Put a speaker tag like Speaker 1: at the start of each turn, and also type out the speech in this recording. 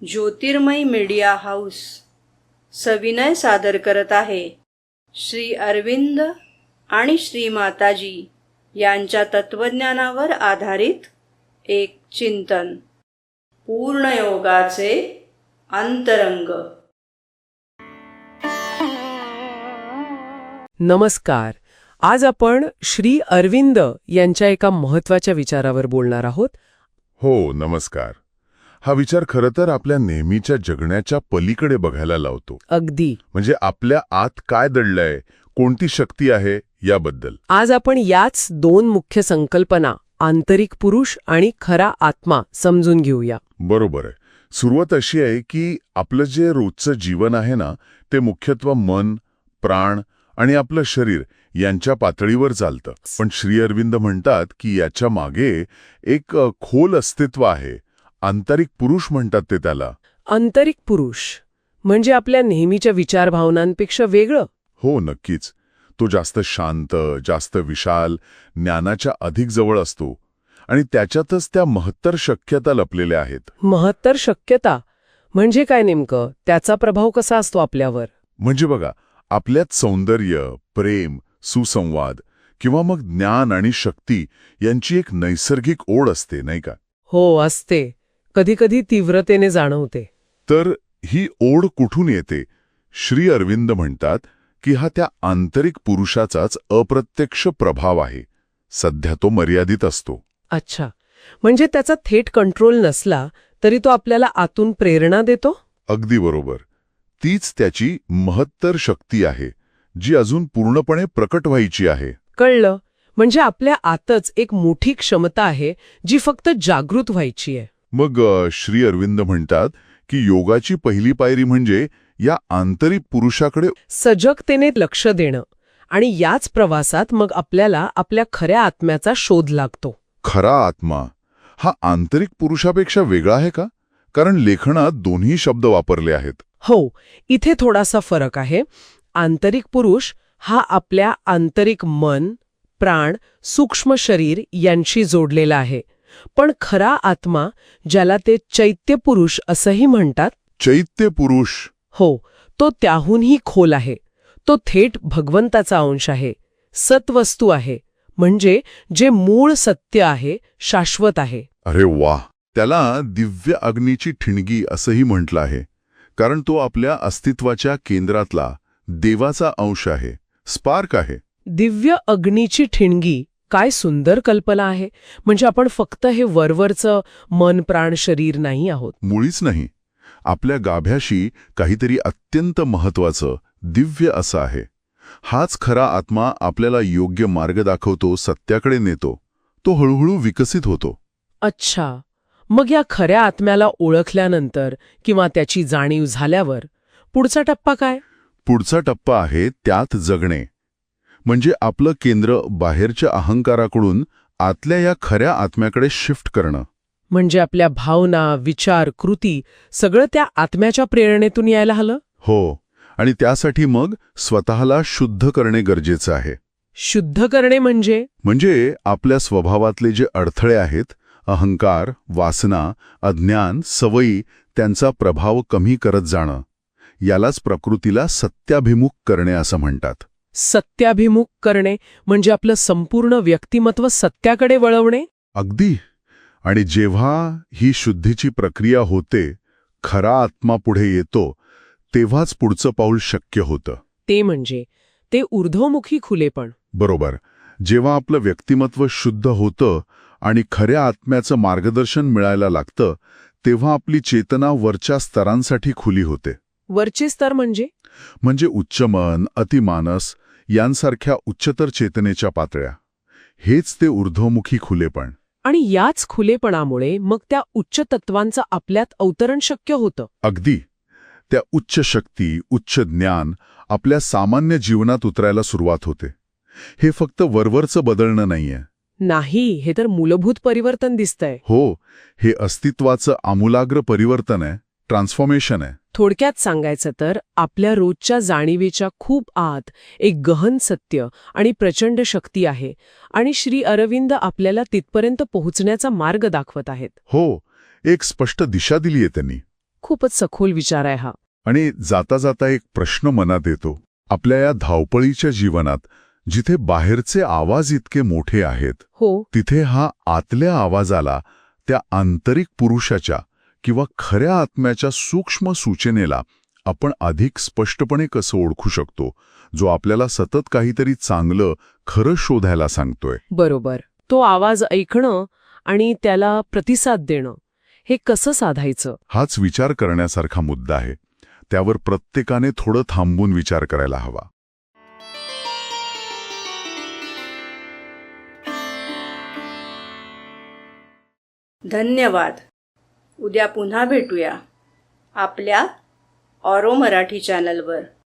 Speaker 1: ज्योतिर्मय media house सविनय सादर करत आहे श्री अरविंद आणि श्री माताजी यांच्या तत्वज्ञानावर आधारित एक चिंतन. पूर्णयोगाचे अंतरंग.
Speaker 2: नमस्कार. आज आपण श्री अरविंद यांच्या एका महत्त्वाच्या विचारावर बोलणार आहोत.
Speaker 3: हो, नमस्कार. हा विचार खरं तर आपल्या नेहमीच्या जगण्याच्या पलीकडे बघायला लावतो.
Speaker 2: अगदी.
Speaker 3: म्हणजे आपल्या आत काय दडलंय, कोणती शक्ती आहे याबद्दल.
Speaker 2: आज आपण याच दोन मुख्य संकल्पना, आंतरिक पुरुष आणि खरा आत्मा, समजून घेऊया.
Speaker 3: बरोबर आहे. सुरुवात अशी आहे की आपलं जे रोजचं जीवन आहे ना, ते मुख्यत्वे मन, प्राण आणि आपलं शरीर यांच्या पातळीवर चालतं. पण श्री अरविंद म्हणतात की याच्या मागे एक खोल अस्तित्व आहे. आंतरिक पुरुष म्हणतात ते त्याला.
Speaker 2: आंतरिक पुरुष म्हणजे आपल्या नेहमीच्या विचार भावनांपेक्षा वेगळं.
Speaker 3: हो, नक्कीच. तो जास्त शांत, जास्त विशाल, ज्ञानाच्या अधिक जवळ असतो आणि त्याच्यातच त्या महत्तर शक्यता लपलेल्या आहेत.
Speaker 2: महत्तर शक्यता म्हणजे काय नेमकं? त्याचा प्रभाव कसा असतो आपल्यावर?
Speaker 3: म्हणजे बघा, आपल्यात सौंदर्य, प्रेम, सुसंवाद किंवा मग ज्ञान आणि शक्ती यांची एक नैसर्गिक ओढ असते, नाही का?
Speaker 2: हो, असते. कधीकधी तीव्रतेने जाणवते.
Speaker 3: तर ही ओढ कुठून येते? श्री अरविंद म्हणतात की हा त्या आंतरिक पुरुषाचाच अप्रत्यक्ष प्रभाव आहे. सध्या तो मर्यादित असतो.
Speaker 2: अच्छा, म्हणजे त्याचा थेट कंट्रोल नसला तरी तो आपल्याला आतून प्रेरणा देतो?
Speaker 3: अगदी बरोबर. तीच त्याची महत्तर शक्ती आहे, जी अजून पूर्णपणे प्रकट व्हायची आहे.
Speaker 2: कळलं. म्हणजे आपल्या आतच एक मोठी क्षमता आहे जी फक्त जागृत व्हायची आहे.
Speaker 3: मग श्री अरविंद म्हणतात की योगाची पहिली पायरी म्हणजे या आंतरिक पुरुषाकडे
Speaker 2: सजगतेने लक्ष देणं. आणि याच प्रवासात मग आपल्याला आपल्या खऱ्या आत्म्याचा शोध लागतो.
Speaker 3: खरा आत्मा हा आंतरिक पुरुषापेक्षा वेगळा आहे का? कारण लेखनात दोन्ही शब्द वापरले आहेत.
Speaker 2: हो, इथे थोडासा फरक आहे. आंतरिक पुरुष हा आपल्या आंतरिक मन, प्राण, सूक्ष्म शरीर यांशी जोडलेला आहे. पण खरा आत्मा, ज्याला ते चैत्य पुरुष असंही म्हणतात.
Speaker 3: चैत्य पुरुष?
Speaker 2: हो, तो त्याहूनही खोल आहे. तो थेट भगवंताचा अंश आहे, सत्वस्तू आहे. म्हणजे जे मूळ सत्य आहे, शाश्वत आहे.
Speaker 3: अरे वाह! त्याला दिव्य अग्नीची ठिणगी असंही म्हटलं आहे. कारण तो आपल्या अस्तित्वाच्या केंद्रातला देवाचा अंश आहे, स्पार्क आहे.
Speaker 2: दिव्य अग्नीची ठिणगी, काय सुंदर कल्पना आहे. म्हणजे आपण फक्त हे वरवरचं मन, प्राण, शरीर नाही आहोत.
Speaker 3: मुळीच नाही. आपल्या गाभ्याशी काहीतरी अत्यंत महत्वाचं, दिव्य असं आहे. हाच खरा आत्मा आपल्याला योग्य मार्ग दाखवतो, सत्याकडे नेतो. तो हळूहळू विकसित होतो.
Speaker 2: अच्छा, मग या खऱ्या आत्म्याला ओळखल्यानंतर किंवा त्याची जाणीव झाल्यावर पुढचा टप्पा काय?
Speaker 3: पुढचा टप्पा आहे त्यात जगणे. म्हणजे आपलं केंद्र बाहेरच्या अहंकाराकडून आतल्या या खऱ्या आत्म्याकडे शिफ्ट करणं.
Speaker 2: म्हणजे आपल्या भावना, विचार, कृती सगळं त्या आत्म्याच्या प्रेरणेतून यायला हवं?
Speaker 3: हो, आणि त्यासाठी मग स्वतःला शुद्ध करणे गरजेचं आहे.
Speaker 2: शुद्ध करणे म्हणजे
Speaker 3: आपल्या स्वभावातले जे अडथळे आहेत, अहंकार, वासना, अज्ञान, सवयी, त्यांचा प्रभाव कमी करत जाणं. यालाच प्रकृतीला सत्याभिमुख करणे असं म्हणतात.
Speaker 2: सत्याभिमुख करणे म्हणजे आपलं संपूर्ण व्यक्तिमत्व सत्याकडे वळवणे?
Speaker 3: अगदी. आणि जेव्हा ही शुद्धीची प्रक्रिया होते, खरा आत्मा पुढे येतो, तेव्हाच पुढचं पाऊल शक्य होतं.
Speaker 2: ते म्हणजे ते ऊर्ध्वमुखी खुलेपण.
Speaker 3: बरोबर. जेव्हा आपलं व्यक्तिमत्व शुद्ध होतं आणि खऱ्या आत्म्याचं मार्गदर्शन मिळायला लागतं, तेव्हा आपली चेतना वरच्या स्तरांसाठी खुली होते.
Speaker 2: वरचे स्तर म्हणजे
Speaker 3: उच्चमन, अतिमानस यांसारख्या उच्चतर चेतनेच्या पातळ्या. हेच ते ऊर्ध्वमुखी खुलेपण.
Speaker 2: आणि याच खुलेपणामुळे मग त्या उच्च तत्वांचं आपल्यात अवतरण शक्य होतं.
Speaker 3: अगदी. त्या उच्च शक्ती, उच्च ज्ञान आपल्या सामान्य जीवनात उतरायला सुरुवात होते. हे फक्त वरवरचं बदलणं नाहीये.
Speaker 2: नाही, हे तर मूलभूत परिवर्तन दिसतंय.
Speaker 3: हो, हे अस्तित्वाचं आमूलाग्र परिवर्तन आहे, ट्रान्सफॉर्मेशन आहे.
Speaker 2: थोडक्यात सांगायचं तर आपल्या रोजच्या जाणीवेच्या खूप आत एक गहन सत्य आणि प्रचंड शक्ती आहे. आणि श्री अरविंद आपल्याला तिथपर्यंत पोहोचण्याचा मार्ग दाखवत आहेत.
Speaker 3: हो, एक स्पष्ट दिशा दिलीये त्यांनी.
Speaker 2: खूपच सखोल विचार आहे हा.
Speaker 3: आणि जाता जाता एक प्रश्न मनात येतो. आपल्या या धावपळीच्या जीवनात जिथे बाहेरचे आवाज इतके मोठे आहेत,
Speaker 2: हो,
Speaker 3: तिथे हा आतल्या आवाजाला, त्या आंतरिक पुरुषाच्या किंवा खऱ्या आत्म्याच्या सूक्ष्म सूचनेला आपण अधिक स्पष्टपणे कसं ओळखू शकतो, जो आपल्याला सतत काहीतरी चांगलं, खरं शोधायला सांगतोय.
Speaker 2: बरोबर. तो आवाज ऐकणं आणि त्याला प्रतिसाद देणं, हे कसं साधायचं?
Speaker 3: हाच विचार करण्यासारखा मुद्दा आहे. त्यावर प्रत्येकाने थोडं थांबून विचार करायला हवा.
Speaker 1: धन्यवाद. उद्या पुन्हा भेटूया आपल्या ऑरो मराठी चॅनलवर.